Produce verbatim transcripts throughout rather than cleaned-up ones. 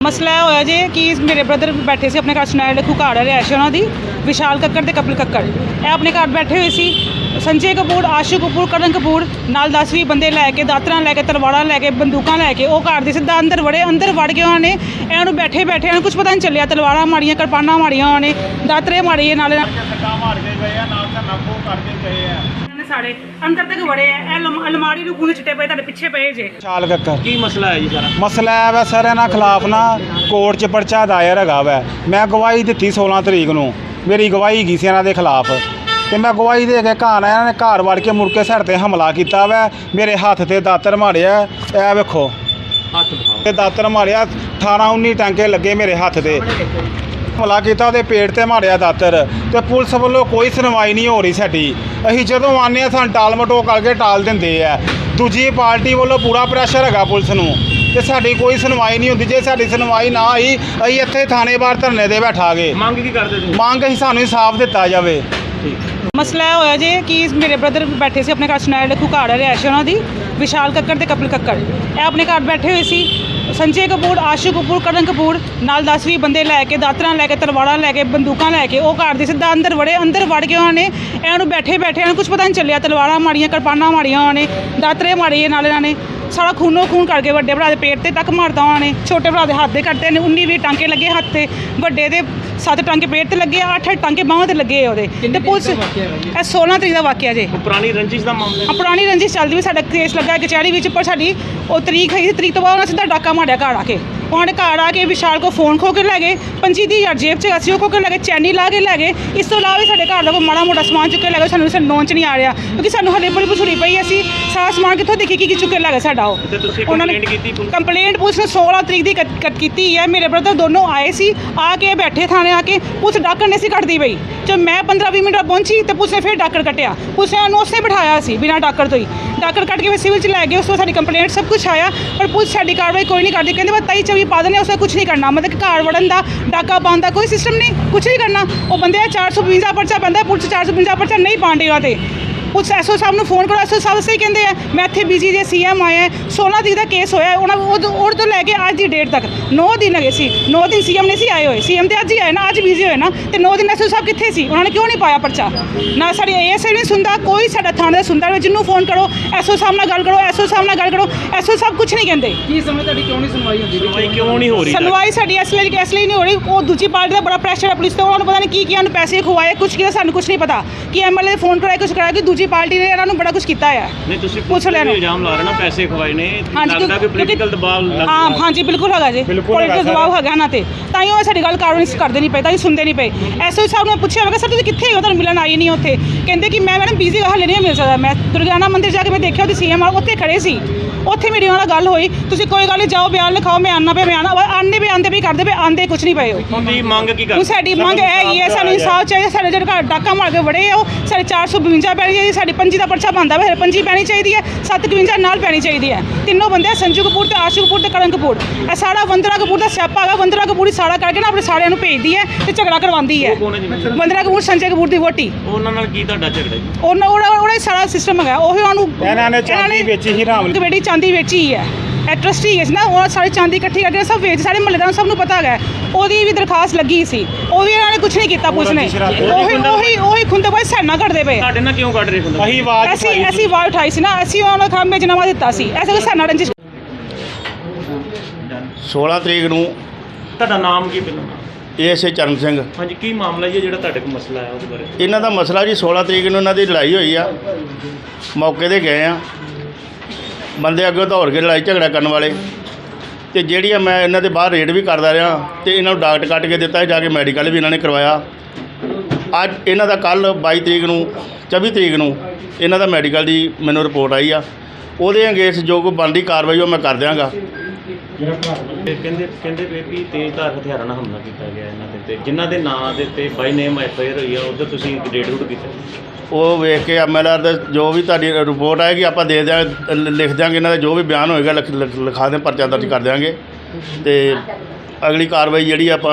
ਮਸਲਾ ਇਹ ਹੋਇਆ ਜੇ ਕਿ ਮੇਰੇ ਬ੍ਰਦਰ ਬੈਠੇ ਸੀ ਆਪਣੇ ਘਰ ਸੁਨਾਇਲ ਲਿਖੂ ਘਰ ਹੈ ਰਿਹਾਇਸ਼ ਉਹਨਾਂ ਦੀ ਵਿਸ਼ਾਲ ਕੱਕੜ ਤੇ ਕਪਿਲ ਕੱਕੜ ਇਹ ਆਪਣੇ ਘਰ ਬੈਠੇ ਹੋਏ ਸੀ। ਸੰਜੇ ਕਪੂਰ, ਆਸ਼ੂ ਕਪੂਰ, ਕਰਨ ਕਪੂਰ ਨਾਲ ਦਸ ਵੀਹ ਬੰਦੇ ਲੈ ਕੇ ਦਾਤਰਾਂ ਲੈ ਕੇ ਤਲਵਾਰਾਂ ਲੈ ਕੇ ਬੰਦੂਕਾਂ ਲੈ ਕੇ ਉਹ ਘਰ ਦੇ ਸਿੱਧਾ ਅੰਦਰ ਵੜੇ। ਅੰਦਰ ਵੜ ਕੇ ਉਹਨਾਂ ਨੇ ਇਹਨਾਂ ਨੂੰ ਬੈਠੇ ਬੈਠੇ ਇਹਨਾਂ ਨੂੰ ਕੁਝ ਪਤਾ ਨਹੀਂ ਚੱਲਿਆ। ਤਲਵਾਰਾਂ ਮਾਰੀਆਂ, ਕਿਰਪਾਨਾਂ ਮਾਰੀਆਂ, ਉਹਨਾਂ ਨੇ ਦਾਤਰੇ ਮਾਰੀਏ ਨਾਲੇ ਸਾਡੇ ਅੰਦਰ ਤੱਕ ਵੜੇ ਆ। ਅਲਮਾਰੀ ਨੂੰ ਖੂਨ ਚਿੱਟੇ ਪਏ ਤੁਹਾਡੇ ਪਿੱਛੇ ਪਏ ਜੇ। ਵਿਸ਼ਾਲ ਕੱਕੜ ਕੀ ਮਸਲਾ ਹੈ ਜੀ ਸਾਰਾ? ਮਸਲਾ ਹੈ ਵਾ ਸਰ ਇਹਨਾਂ ਖਿਲਾਫ ਨਾ ਕੋਰਟ 'ਚ ਪਰਚਾ ਦਾਇਰ ਹੈਗਾ ਵੈ। ਮੈਂ ਗਵਾਹੀ ਦਿੱਤੀ ਸੋਲਾਂ ਤਰੀਕ ਨੂੰ, ਮੇਰੀ ਗਵਾਹੀ ਗਈ ਸੀ ਇਹਨਾਂ ਦੇ ਖਿਲਾਫ ਤੇ ਮੈਂ ਗਵਾਹੀ ਦੇ ਕੇ ਘਰ ਆਇਆ। ਇਹਨਾਂ ਨੇ ਘਰ ਵੜ ਕੇ ਮੁੜ ਕੇ ਸਾਡੇ 'ਤੇ ਹਮਲਾ ਕੀਤਾ ਵੈ। ਮੇਰੇ ਹੱਥ 'ਤੇ ਦਾਤਰ ਮਾਰਿਆ, ਇਹ ਵੇਖੋ ਹੱਥ ਦਿਖਾਓ। ਤੇ ਦਾਤਰ ਮਾਰਿਆ, ਅਠਾਰਾਂ ਉੱਨੀ ਟਾਂਕੇ ਲੱਗੇ ਮੇਰੇ ਹੱਥ 'ਤੇ। ਹਮਲਾ ਕੀਤਾ, ਉਹਦੇ ਪੇਟ 'ਤੇ ਮਾਰਿਆ ਦਾਤਰ ਤੇ ਪੁਲਿਸ ਵੱਲੋਂ ਕੋਈ ਸੁਣਵਾਈ ਨਹੀਂ ਹੋ ਰਹੀ ਸਾਡੀ। ਅਸੀਂ ਜਦੋਂ ਆਉਂਦੇ ਹਾਂ ਸਾਨੂੰ ਟਾਲ ਮਟੋਲ ਕਰਕੇ ਟਾਲ ਦਿੰਦੇ ਆ। ਦੂਜੀ ਪਾਰਟੀ ਵੱਲੋਂ ਪੂਰਾ ਪ੍ਰੈਸ਼ਰ ਹੈਗਾ ਪੁਲਿਸ ਨੂੰ ਤੇ ਸਾਡੀ ਕੋਈ ਸੁਣਵਾਈ ਨਹੀਂ ਹੁੰਦੀ। ਜੇ ਸਾਡੀ ਸੁਣਵਾਈ ਨਾ ਹੋਈ ਅਸੀਂ ਇੱਥੇ ਥਾਣੇ ਬਾਹਰ ਧਰਨੇ 'ਤੇ ਬੈਠਾਂਗੇ। ਮੰਗ ਕੀ ਕਰਦੇ ਤੁਸੀਂ? ਮੰਗ ਅਸੀਂ ਸਾਨੂੰ ਇਨਸਾਫ ਦਿੱਤਾ ਜਾਵੇ। ਮਸਲਾ ਇਹ ਹੋਇਆ ਜੇ ਕਿ ਮੇਰੇ ਬ੍ਰਦਰ ਬੈਠੇ ਸੀ ਆਪਣੇ ਘਰ ਸੁਨਾਇਲ ਲਿਖੂ ਘਰ ਹੈ ਰਿਹਾਇਸ਼ ਉਹਨਾਂ ਦੀ ਵਿਸ਼ਾਲ ਕੱਕੜ ਤੇ ਕਪਿਲ ਕੱਕੜ ਇਹ ਆਪਣੇ ਘਰ ਬੈਠੇ ਹੋਏ ਸੀ। ਸੰਜੇ ਕਪੂਰ, ਆਸ਼ੂ ਕਪੂਰ, ਕਰਨ ਕਪੂਰ ਨਾਲ ਦਸ ਵੀਹ ਬੰਦੇ ਲੈ ਕੇ ਦਾਤਰਾਂ ਲੈ ਕੇ ਤਲਵਾਰਾਂ ਲੈ ਕੇ ਬੰਦੂਕਾਂ ਲੈ ਕੇ ਉਹ ਘਰ ਦੇ ਸਿੱਧਾ ਅੰਦਰ ਵੜੇ। ਅੰਦਰ ਵੜ ਕੇ ਉਹਨਾਂ ਨੇ ਇਹਨਾਂ ਨੂੰ ਬੈਠੇ ਬੈਠੇ ਇਹਨਾਂ ਨੂੰ ਕੁਝ ਪਤਾ ਨਹੀਂ ਚੱਲਿਆ। ਤਲਵਾਰਾਂ ਮਾਰੀਆਂ, ਕਿਰਪਾਨਾਂ ਮਾਰੀਆਂ, ਉਹਨਾਂ ਨੇ ਦਾਤਰੇ ਮਾਰੀਏ ਨਾਲੇ ਇਹਨਾਂ ਨੇ ਸਾਰਾ ਖੂਨੋ ਖੂਨ ਕਰਕੇ ਵੱਡੇ ਭਰਾ ਦੇ ਪੇਟ 'ਤੇ ਤੱਕ ਮਾਰਦਾ ਉਹਨਾਂ ਨੇ। ਛੋਟੇ ਭਰਾ ਦੇ ਹੱਥ ਦੇ ਕੱਟਦੇ ਨੇ, ਉੱਨੀ ਵੀਹ ਟਾਂਕੇ ਲੱਗੇ ਹੱਥ 'ਤੇ। ਵੱਡੇ ਦੇ ਸੱਤ ਟਾਂਕੇ ਪੇਟ 'ਤੇ ਲੱਗੇ, ਅੱਠ ਟਾਂਕੇ ਬਾਹਾਂ 'ਤੇ ਲੱਗੇ ਉਹਦੇ। ਤੇ ਪੁਲਿਸ ਇਹ ਸੋਲਾਂ ਤਰੀਕ ਦਾ ਵਾਕਿਆ ਜੇ। ਪੁਰਾਣੀ ਰੰਜਿਸ਼ ਦਾ ਮਾਮਲਾ? ਆ ਪੁਰਾਣੀ ਰੰਜਿਸ਼ ਚੱਲਦੀ ਵੀ ਸਾਡਾ ਕੇਸ ਲੱਗਾ ਕਚਹਿਰੀ ਵਿੱਚ, ਪਰ ਸਾਡੀ ਉਹ ਤਰੀਕ ਹੈ ਤਰੀਕ ਤੋਂ ਬਾਅਦ ਉਹਨਾਂ ਸਿੱਧਾ ਡਾਕਾ ਮਾਰਿਆ ਘਰ ਆ ਕੇ। ਉਹਨਾਂ ਨੇ ਘਰ ਆ ਕੇ ਵਿਸ਼ਾਲ ਕੋ ਫੋਨ ਖੋ ਕੇ ਲੈ ਗਏ, ਪੰਜੀ ਦੀ ਹਜ਼ਾਰ ਜੇਬ 'ਚ ਅਸੀਂ ਉਹ ਖੋ ਕੇ ਲੈ ਗਏ, ਚੈਨੀ ਲਾ ਕੇ ਲੈ ਗਏ। ਇਸ ਤੋਂ ਇਲਾਵਾ ਵੀ ਸਾਡੇ ਘਰ ਦਾ ਕੋਈ ਮਾੜਾ ਮੋਟਾ ਸਮਾਨ ਚੁੱਕ ਕੇ ਲੈ ਗਏ। ਸਾਨੂੰ ਸਾਨੂੰ ਨੋਨ 'ਚ ਨਹੀਂ ਆ ਰਿਹਾ ਕਿਉਂਕਿ ਸਾਨੂੰ ਹਲੇ ਬੜੀ ਪੁਛੜੀ ਪਈ। ਅਸੀਂ ਸਾਰਾ ਸਮਾਨ ਕਿੱਥੋਂ ਦੇਖੀ ਕੀ ਕੀ ਚੁੱਕ ਕੇ ਲੈ ਗਏ ਸਾਡਾ ਉਹ। ਉਹਨਾਂ ਨੇ ਕੰਪਲੇਂਟ ਪੁਲਿਸ ਨੇ ਸੋਲਾਂ ਤਰੀਕ ਦੀ ਕੀਤੀ ਹੈ। ਮੇਰੇ ਬ੍ਰਦਰ ਦੋਨੋਂ ਆਏ ਸੀ, ਆ ਕੇ ਬੈਠੇ ਥਾਣੇ ਆ ਕੇ। ਪੁਲਿਸ ਡਾਕਰ ਨਹੀਂ ਸੀ ਕੱਟਦੀ ਪਈ। ਜਦ ਮੈਂ ਪੰਦਰਾਂ ਵੀਹ ਮਿੰਟ ਪਹੁੰਚੀ ਤੇ ਪੁਲਿਸ ਨੇ ਫਿਰ ਡਾਕਰ ਕੱਟਿਆ। ਪੁਲਿਸ ਨੇ ਉਹਨੂੰ ਉਸੇ ਬਿਠਾਇਆ ਸੀ ਬਿਨਾਂ ਡਾਕਰ ਤੋਂ ਹੀ। ਡਾਕਰ ਕੱਟ ਕੇ ਫਿਰ ਸਿਵਲ 'ਚ ਲੈ ਗਏ। ਉਸ ਤੋਂ ਸਾਡੀ ਕੰਪਲੇਂਟ ਸਭ ਕੁਝ ਆਇਆ ਪਰ ਪੁਲਿਸ ਸਾਡੀ ਕਾਰਵਾਈ ਕੋਈ ਨਹੀਂ ਕਰਦੀ। ਕਹਿੰਦੇ ਬਸ ਤਈ ਚੌਵੀ ਪਾ ਦੇਣੇ, ਉਸੇ ਕੁਝ ਨਹੀਂ ਕਰਨਾ। ਮਤਲਬ ਕਿ ਘਰ ਵੜਨ ਦਾ, ਡਾਕਾ ਪਾਉਣ ਦਾ ਕੋਈ ਸਿਸਟਮ ਨਹੀਂ, ਕੁਝ ਨਹੀਂ ਕਰਨਾ। ਉਹ ਬੰਦੇ ਚਾਰ ਸੌ ਬਵੰਜਾ ਪਰਚਾ ਪੈਂਦਾ, ਪੁਲਿਸ ਚਾਰ ਸੌ ਬਵੰਜਾ ਪਰਚਾ ਨਹੀਂ ਪਾਉਂਦੀ ਉਹਨਾਂ 'ਤੇ। ਪੁਲਿਸ ਐਸ ਓ ਸਾਹਿਬ ਨੂੰ ਫੋਨ ਕਰੋ, ਐਸ ਓ ਸਾਹਿਬ ਸਹੀ ਕਹਿੰਦੇ ਆ ਮੈਂ ਇੱਥੇ ਬਿਜੀ ਜੇ ਸੀ ਐਮ ਆਇਆ। ਸੋਲਾਂ ਤਰੀਕ ਦਾ ਕੇਸ ਹੋਇਆ ਉਹਨਾਂ ਉਹ ਤੋਂ ਲੈ ਕੇ ਅੱਜ ਦੀ ਡੇਟ ਤੱਕ ਨੌ ਦਿਨ ਹੈਗੇ ਸੀ। ਨੌ ਦਿਨ ਸੀ ਐਮ ਨਹੀਂ ਸੀ ਆਏ ਹੋਏ। ਸੀ ਐਮ ਤੇ ਅੱਜ ਹੀ ਆਏ ਨਾ, ਅੱਜ ਬਿਜੀ ਹੋਏ ਨਾ। ਤੇ ਨੌ ਦਿਨ ਐਸ ਓ ਸਾਹਿਬ ਕਿੱਥੇ ਸੀ? ਉਹਨਾਂ ਨੇ ਕਿਉਂ ਨਹੀਂ ਪਾਇਆ ਪਰਚਾ? ਨਾ ਸਾਡੀ ਏ ਐਸ ਆਈ ਨਹੀਂ ਸੁਣਦਾ, ਕੋਈ ਸਾਡਾ ਥਾਣੇ ਦਾ ਸੁਣਦਾ। ਜਿਹਨੂੰ ਫੋਨ ਕਰੋ ਐਸ ਓ ਸਾਹਿਬ ਨਾਲ ਗੱਲ ਕਰੋ, ਐਸ ਓ ਸਾਹਿਬ ਨਾਲ ਗੱਲ ਕਰੋ, ਐਸ ਓ ਸਾਹਿਬ ਕੁਝ ਨਹੀਂ ਕਹਿੰਦੇ। ਕੀ ਸਮਝ ਤੁਹਾਡੀ ਕਿਉਂ ਨਹੀਂ ਸੁਣਵਾਈ ਹੁੰਦੀ? ਸੁਣਵਾਈ ਕਿਉਂ ਨਹੀਂ ਹੋ ਰਹੀ? ਸੁਣਵਾਈ ਸਾਡੀ ਇਸ ਲਈ ਇਸ ਲਈ ਨਹੀਂ ਹੋ ਰਹੀ। ਉਹ ਦੂਜੀ ਪਾਰਟੀ ਦਾ ਬੜਾ ਪ੍ਰੈਸ਼ਰ ਹੈ ਪੁਲਿਸ ਤੇ। ਉਹਨਾਂ ਨੂੰ ਪਤਾ ਨਹੀਂ ਕੀ ਕੀ ਉਹਨੂੰ ਪੈਸੇ ਖਵਾਏ, ਕੁਝ ਕੀਤਾ ਸਾਨੂੰ ਕੁਝ ਨਹੀਂ ਪਤਾ ਕਿ ਐਮ ਐਲ ਏ ਫੋਨ ਕਰਾਇਆ, ਕੁਝ ਕਰਾਇਆ ਕਿ ਦੂਜੀ ਪਾਰਟੀ ਨੇ ਇਹਨਾਂ ਨੂੰ ਬੜਾ ਕੁਝ ਕੀਤਾ ਹੈ। ਨਹੀਂ ਤੁਸੀਂ ਪੁਲਿਸ ਤੇ ਇਲਜ਼ਾਮ ਲਾ ਰਹੇ ਨਾ ਪੈਸੇ ਖਵਾਏ ਨੇ, ਲੱਗਦਾ ਕਿ ਪੋਲੀਟੀਕਲ ਦਬਾਅ ਲੱਗ ਹਾਂ ਹਾਂਜੀ ਬਿਲਕੁਲ ਹੈਗਾ ਜੀ, ਪੋਲੀਟੀਕਲ ਦਬਾਅ ਹੈਗਾ ਨਾ। ਤੇ ਤਾਂ ਹੀ ਉਹ ਸਾਡੀ ਗੱਲ ਕਾਰਵਾਈ ਕਰਦੇ ਨਹੀਂ ਪਏ, ਤਾਂ ਹੀ ਸੁਣਦੇ ਨਹੀਂ ਪਏ। ਐਸ ਓ ਸਾਹਿਬ ਨੂੰ ਪੁੱਛਿਆ ਹੋਵੇਗਾ ਸਰ ਤੁਸੀਂ ਕਿੱਥੇ ਹੋ, ਤੁਹਾਨੂੰ ਮਿਲਣ ਆਈ ਨਹੀਂ ਉੱਥੇ? ਕਹਿੰਦੇ ਕਿ ਮੈਂ ਮੈਡਮ ਬਿਜ਼ੀ ਹਾਲੇ ਨਹੀਂ ਮਿਲ ਸਕਦਾ। ਮੈਂ ਦੁਰਗਿਆਨਾ ਮੰਦਿਰ ਜਾ ਕੇ ਮੈਂ ਦੇਖਿਆ ਉਹਦੀ ਸੀ ਐਮ ਉੱਥੇ ਖੜੇ ਸੀ। ਉੱਥੇ ਮੇਰੀ ਉਹਨਾਂ ਨਾਲ ਗੱਲ ਹੋਈ, ਤੁਸੀਂ ਕੋਈ ਗੱਲ ਨਹੀਂ ਜਾਓ ਬਿਆਨ ਲਿਖਾਓ, ਮੈਂ ਆਉਣਾ ਪਿਆ। ਮੈਂ ਆਉਣਾ ਆਉਂਦੇ ਵੀ ਆਉਂਦੇ ਵੀ ਕਰਦੇ ਪਏ, ਆਉਂਦੇ ਕੁਝ ਨਹੀਂ ਪਏ। ਉਹਦੀ ਮੰਗ ਕੀ ਕਰਦੇ? ਸਾਡੀ ਮੰਗ ਇਹ ਹੀ ਹੈ ਸਾਨੂੰ ਇਨਸਾਫ ਚਾਹੀਦਾ। ਸਾਡੇ ਜਿਹੜੇ ਘਰ ਡਾਕਾ ਮਾਰ ਕੇ ਵੜੇ ਆ ਉਹ ਸਾਡੇ ਚਾਰ ਸੌ ਬਵੰਜਾ ਪੈਣੀ ਚਾਹੀਦੀ, ਸਾਡੀ ਪੰਜੀ ਦਾ ਪਰਚਾ ਬਣਦਾ ਵਾ, ਪੰਜੀ ਪੈਣੀ ਚਾਹੀਦੀ ਹੈ, ਸੱਤ ਇਕਵੰਜਾ ਨਾਲ ਪੈਣੀ ਚਾਹੀਦੀ ਹੈ। ਤਿੰਨੋਂ ਬੰਦੇ ਸੰਜੂ ਕਪੂਰ ਤੇ ਆਸ਼ੂ ਕਪੂਰ ਤੇ ਕਰਨ ਕਪੂਰ। ਇਹ ਸਾਰਾ ਵੰਦਨਾ ਕਪੂਰ ਦਾ ਸਿਆਪਾ ਹੈਗਾ। ਵੰਦਨਾ ਕਪੂਰ ਹੀ ਸਾਰਾ ਕਰਕੇ ਨਾ ਆਪਣੇ ਸਾਰਿਆਂ ਨੂੰ ਭੇਜਦੀ ਹੈ ਤੇ ਝਗੜਾ ਕਰਵਾਉਂਦੀ ਹੈ। ਵੰਦਨਾ ਕਪੂਰ ਸੰਜੇ ਕਪੂਰ ਦੀ ਵੋਟੀ। ਉਹਨਾਂ ਨਾਲ ਕੀ ਤੁਹਾਡਾ ਝਗੜਾ ਜੀ? ਉਹਨਾਂ ਉਹਦਾ ਸਾਰਾ ਸਿਸਟਮ ਹੈਗਾ ਉਹੀ। ਉਹਨੂੰ ਇਹਨਾਂ ਨੇ ਚਾਂਦੀ ਵੇਚੀ ਹੀ ਰਾਮ ਬੇਟੀ ਚਾਂਦੀ ਵੇਚੀ ਹੈ। ਇਹ ਟਰਸਟੀ ਹੈ ਨਾ, ਉਹ ਸਾਰੀ ਚਾਂਦੀ ਇਕੱਠੀ ਕਰਕੇ ਸਭ ਵੇਚ, ਸਾਰੇ ਮਹੱਲੇਦਾਰਾਂ ਸਭ ਨੂੰ ਪਤਾ ਹੈਗਾ। ਉਹਦੀ ਵੀ ਦਰਖਾਸਤ ਲੱਗੀ ਸੀ, ਉਹ ਵੀ ਇਹਨਾਂ ਨੇ ਕੁਝ ਨਹੀਂ ਕੀਤਾ ਪੁਲਿਸ ਨੇ। ਉਹੀ ਉਹੀ ਉਹੀ ਖੁੰਦੇ ਬਾਈ ਸੈਨਾ ਕੱਢਦੇ ਪਏ। ਸਾਡੇ ਨਾਲ ਕਿਉਂ ਕੱਢ ਰਹੇ ਖੁੰਦੇ? ਅਸੀਂ ਆਵਾਜ਼ ਅਸੀਂ ਅਸੀਂ ਆਵਾਜ਼ ਉਠਾਈ ਸੀ ਨਾ, ਅਸੀਂ ਉਹਨਾਂ ਨੂੰ ਖਾਮੇ ਜਨਾਮਾ ਦਿੱਤਾ ਸੀ। ਐਸੇ ਕੋਈ ਸੈਨਾ ਰੰਜਿਸ਼। ਸੋਲਾਂ ਤਰੀਕ ਨੂੰ ਤੁਹਾਡਾ ਨਾਮ ਕੀ ਪਹਿਲਾਂ? ਏ ਐਸ ਏ ਚਰਨ ਸਿੰਘ। ਹਾਂਜੀ ਕੀ ਮਾਮਲਾ ਜੀ ਜਿਹੜਾ ਤੁਹਾਡੇ ਕੋਲ ਮਸਲਾ ਹੈ ਉਹਦੇ ਬਾਰੇ? ਇਹਨਾਂ ਦਾ ਮਸਲਾ ਜੀ ਸੋਲਾਂ ਤਰੀਕ ਨੂੰ ਇਹਨਾਂ ਦੀ ਲੜਾਈ ਹੋਈ ਆ। ਮੌਕੇ 'ਤੇ ਗਏ ਆ, ਬੰਦੇ ਅੱਗੇ ਦੌੜ ਕੇ ਲੜਾਈ ਝਗੜਾ ਕਰਨ ਵਾਲੇ। ਤੇ ਜਿਹੜੀ ਆ ਮੈਂ ਇਹਨਾਂ ਦੇ ਬਾਹਰ ਰੇਡ ਵੀ ਕਰਦਾ ਰਿਹਾ ਤੇ ਇਹਨਾਂ ਨੂੰ ਡਾਕਟਰ ਕੱਟ ਕੇ ਦਿੱਤਾ, ਜਾ ਕੇ ਮੈਡੀਕਲ ਵੀ ਇਹਨਾਂ ਨੇ ਕਰਵਾਇਆ। ਅੱਜ ਇਹਨਾਂ ਦਾ ਕੱਲ੍ਹ ਬਾਈ ਤਰੀਕ ਨੂੰ ਚੌਵੀ ਤਰੀਕ ਨੂੰ ਇਹਨਾਂ ਦਾ ਮੈਡੀਕਲ ਦੀ ਮੈਨੂੰ ਰਿਪੋਰਟ ਆਈ ਆ। ਉਹਦੇ ਅਗੇਂਸਟ ਜੋ ਕੋਈ ਬਣਦੀ ਕਾਰਵਾਈ ਉਹ ਮੈਂ ਕਰ ਦਿਆਂਗਾ। ਕਹਿੰਦੇ ਕਹਿੰਦੇ ਵੀ ਤੇਜ਼ਧਾਰ ਹਥਿਆਰਾਂ ਨਾਲ ਹਮਲਾ ਕੀਤਾ ਗਿਆ ਇਹਨਾਂ ਦੇ ਤੇ, ਜਿਨ੍ਹਾਂ ਦੇ ਨਾਂ ਦੇ ਉੱਤੇ ਬਾਈ ਨੇਮ ਐਫ ਆਈ ਆਰ ਹੋਈ ਆ, ਉੱਧਰ ਤੁਸੀਂ ਰੇਡ ਰੂਡ ਕੀਤਾ? ਉਹ ਵੇਖ ਕੇ ਐਮ ਐਲ ਆਰ ਦਾ ਜੋ ਵੀ ਤੁਹਾਡੀ ਰਿਪੋਰਟ ਆਏਗੀ ਆਪਾਂ ਦੇ ਦਿਆਂ, ਲਿਖ ਦਿਆਂਗੇ। ਇਹਨਾਂ ਦਾ ਜੋ ਵੀ ਬਿਆਨ ਹੋਏਗਾ ਲਿਖਾ ਦੇ, ਪਰਚਾ ਦਰਜ ਕਰ ਦਿਆਂਗੇ ਤੇ ਅਗਲੀ ਕਾਰਵਾਈ ਜਿਹੜੀ ਆਪਾਂ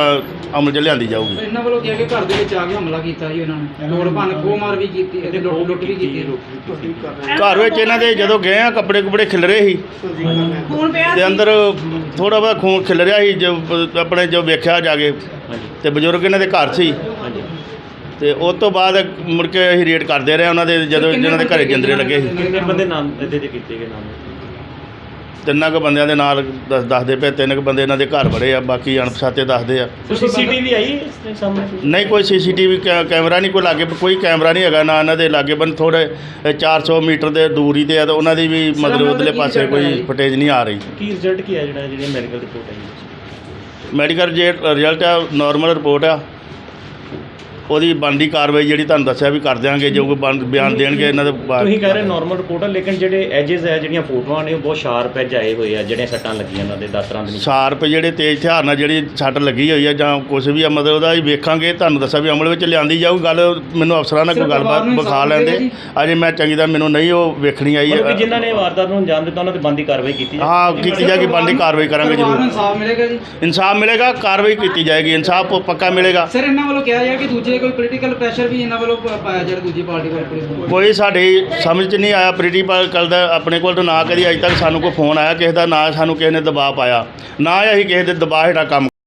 ਅਮਲ 'ਚ ਲਿਆਂਦੀ ਜਾਊਗੀ। ਇਹਨਾਂ ਵੱਲੋਂ ਕਿਹਾ ਕਿ ਘਰ ਦੇ ਵਿੱਚ ਆ ਕੇ ਹਮਲਾ ਕੀਤਾ ਜੀ ਉਹਨਾਂ ਨੇ, ਤੋੜ ਭੰਨ ਖੋਹ ਮਾਰ ਵੀ ਕੀਤੀ ਤੇ ਲੁੱਟ ਲੁੱਟ ਵੀ ਕੀਤੀ। ਘਰ ਵਿੱਚ ਇਹਨਾਂ ਦੇ ਜਦੋਂ ਗਏ ਆ ਕੱਪੜੇ ਕੁਪੜੇ ਖਿਲਰੇ ਸੀ ਖੂਨ ਪਿਆ ਤੇ ਸੀ। ਅੰਦਰ ਥੋੜਾ ਬਹੁਤ ਖੂਨ ਖਿਲ ਰਿਹਾ ਸੀ। ਜੋ ਆਪਣੇ ਜੋ ਵੇਖਿਆ ਜਾ ਕੇ ਹਾਂਜੀ ਤੇ ਬਜ਼ੁਰਗ ਇਹਨਾਂ ਦੇ ਘਰ ਸੀ ਹਾਂਜੀ ਤੇ ਉਸ ਤੋਂ ਬਾਅਦ ਮੁੜ ਕੇ ਅਸੀਂ ਰੇਡ ਕਰਦੇ ਰਹੇ ਉਹਨਾਂ ਦੇ ਜਦੋਂ ਜਿਹਨਾਂ ਦੇ ਘਰੇ ਜਿੰਦਰੇ ਲੱਗੇ ਸੀ। ਕਿੰਨੇ ਬੰਦੇ ਨਾਮ ਇਹਦੇ ਤੇ ਕੀਤੇ ਗਏ ਨਾਮ? ਤਿੰਨਾਂ ਕੁ ਬੰਦਿਆਂ ਦੇ ਨਾਲ ਦੱਸ ਦੱਸਦੇ ਪਏ, ਤਿੰਨ ਕੁ ਬੰਦੇ ਇਹਨਾਂ ਦੇ ਘਰ ਵੜੇ ਆ, ਬਾਕੀ ਅਣਪਛਾਤੇ ਦੱਸਦੇ ਆ। ਸੀਸੀਟੀਵੀ ਆਈ ਇਸ ਦੇ ਸਾਹਮਣੇ? ਨਹੀਂ ਕੋਈ ਸੀਸੀਟੀਵੀ ਕੈਮਰਾ ਨਹੀਂ ਕੋਈ ਲਾਗੇ, ਕੋਈ ਕੈਮਰਾ ਨਹੀਂ ਹੈਗਾ ਨਾ ਇਹਨਾਂ ਦੇ ਲਾਗੇ ਬੰਨ ਥੋੜ੍ਹੇ ਚਾਰ ਸੌ ਮੀਟਰ ਦੇ ਦੂਰੀ ਤੇ ਆ ਤੇ ਉਹਨਾਂ ਦੀ ਵੀ ਮਤਲਬ ਉਧਰਲੇ ਪਾਸੇ ਕੋਈ ਫੁਟੇਜ ਨਹੀਂ ਆ ਰਹੀ। ਕੀ ਰਿਜ਼ਲਟ ਕੀ ਆ ਜਿਹੜਾ ਜਿਹੜੀ ਮੈਡੀਕਲ ਰਿਪੋਰਟ ਆਈ? ਮੈਡੀਕਲ ਜੇ ਰਿਜ਼ਲਟ ਆ ਨਾਰਮਲ ਰਿਪੋਰਟ ਆ, ਉਹਦੀ ਬਣਦੀ ਕਾਰਵਾਈ ਜਿਹੜੀ ਤੁਹਾਨੂੰ ਦੱਸਿਆ ਵੀ ਕਰ ਦਿਆਂਗੇ, ਜੋ ਕੋਈ ਬਣ- ਬਿਆਨ ਦੇਣਗੇ ਇਹਨਾਂ ਦੇ ਬਾਅਦ। ਤੁਸੀਂ ਕਹਿ ਰਹੇ ਨਾਰਮਲ ਰਿਪੋਰਟ ਆ, ਲੇਕਿਨ ਜਿਹੜੇ ਐਜਸ ਹੈ ਜਿਹੜੀਆਂ ਫੋਟੋਆਂ ਨੇ ਉਹ ਬਹੁਤ ਸ਼ਾਰਪ ਐਜ ਆਏ ਹੋਏ ਆ, ਜਿਹੜੀਆਂ ਸੱਟਾਂ ਲੱਗੀਆਂ ਉਹਨਾਂ ਦੇ ਦਾਤਰਾਂ ਦੇ ਨਿਸ਼ਾਨ। ਸ਼ਾਰਪ ਜਿਹੜੇ ਤੇਜ਼ ਹਥਿਆਰ ਨਾਲ ਜਿਹੜੀ ਸੱਟ ਲੱਗੀ ਹੋਈ ਆ ਜਾਂ ਕੁਝ ਵੀ ਆ, ਮਤਲਬ ਉਹਦਾ ਹੀ ਵੇਖਾਂਗੇ, ਤੁਹਾਨੂੰ ਦੱਸਿਆ ਵੀ ਅਮਲ ਵਿੱਚ ਲਿਆਂਦੀ ਜਾਊ। ਗੱਲ ਮੈਨੂੰ ਅਫਸਰਾਂ ਨਾਲ ਕੋਈ ਗੱਲਬਾਤ ਵਿਖਾ ਲੈਂਦੇ, ਅਜੇ ਮੈਂ ਚੰਗੀ ਤਰ੍ਹਾਂ ਮੈਨੂੰ ਨਹੀਂ ਉਹ ਵੇਖਣੀ ਆਈ ਮਤਲਬ ਕਿ ਜਿਨ੍ਹਾਂ ਨੇ ਵਾਰਦਾਤ ਨੂੰ ਅੰਜਾਮ ਦਿੱਤਾ ਉਹਨਾਂ ਤੇ ਬੰਦੀ ਕਾਰਵਾਈ ਕੀਤੀ ਜਾਵੇ। ਹਾਂ ਕੀਤੀ ਜਾਏਗੀ, ਬਣਦੀ ਕਾਰਵਾਈ ਕਰਾਂਗੇ ਪਰਿਵਾਰ ਨੂੰ ਜ਼ਰੂਰ। ਇਨਸਾਫ ਮਿਲੇਗਾ ਜੀ? ਇਨਸਾਫ ਮਿਲੇਗਾ, ਕਾਰਵਾਈ ਕੀਤੀ ਜਾਏਗੀ, ਇਨਸਾਫ ਪੱਕਾ ਮਿਲੇਗਾ। ਸਰ ਇਹਨਾਂ ਵੱਲੋਂ ਕਿਹਾ ਜਾ ਕਿ ਦੂਜੇ ਕੋਈ ਪੋਲੀਟੀਕਲ ਪ੍ਰੈਸ਼ਰ ਵੀ ਇਹਨਾਂ ਵੱਲੋਂ ਪ- ਪਾਇਆ ਜਾ ਰਿਹਾ ਦੂਜੀ ਪਾਰਟੀ ਵੱਲ ਪੁਲਿਸ ਨੂੰ? ਕੋਈ ਸਾਡੀ ਸਮਝ 'ਚ ਨਹੀਂ ਆਇਆ ਪ੍ਰੀਟੀਕਲ ਦਾ, ਆਪਣੇ ਕੋਲ ਤਾਂ ਨਾ ਕਦੀ ਅਜੇ ਤੱਕ ਸਾਨੂੰ ਕੋਈ ਫੋਨ ਆਇਆ ਕਿਸੇ ਦਾ, ਨਾ ਸਾਨੂੰ ਕਿਸੇ ਨੇ ਦਬਾਅ ਪਾਇਆ, ਨਾ ਹੀ ਅਸੀਂ ਕਿਸੇ ਦੇ ਦਬਾਅ ਹੇਠਾਂ ਕੰਮ